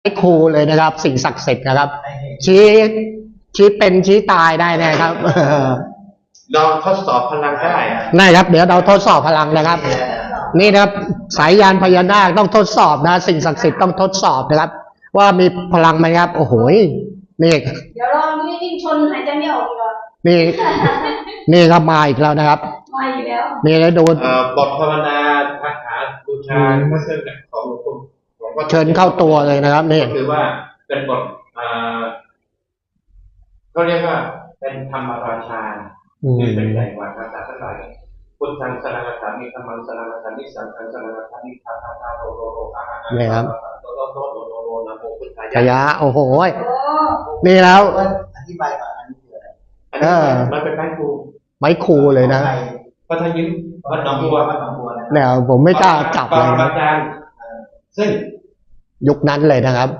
ไอ้ครูเลยนะครับ สิ่งศักดิ์สิทธิ์นะครับ ชี้เป็นชี้ตายได้นะครับเราทดสอบพลังได้ได้ครับ เดี๋ยวเราทดสอบพลังนะครับ นี่นะครับสายยานพญานาคต้องทดสอบนะ สิ่งศักดิ์สิทธิ์ต้องทดสอบนะครับ ว่ามีพลังไหมครับ โอ้โหนี่เดี๋ยวลองดูนิ่งชนหายใจไม่ออกก่อนนี่ครับมาอีกแล้วนะครับมาอีกแล้วนี่แล้วดูบทภาวนาคาถาบูชาพระเครื่องของหลวงปู่เชิญเข้าตัวเลยนะครับนี่คือว่าเป็นบทเขาเรียกว่าเป็นธรรมราชาคือเป็นใหญ่กว่าภาษาทั้งหลายพุทธังสรณังคามิธรรมังสรณังคามิสังฆังสรณังคามิทัพพะโรโรโรอาหะนี่ครับโรโรโรโรโรโรนะโมพุทธายะโอ้โหนี่แล้วอธิบายก่อนอันนี้คืออะไรมันเป็นไม้ครูเลยนะก็ถ้ายิ้มวัดหนองบัวเนี่ยผมไม่กล้าจับเลยนะซึ่งยุคนั้นเลยนะครับ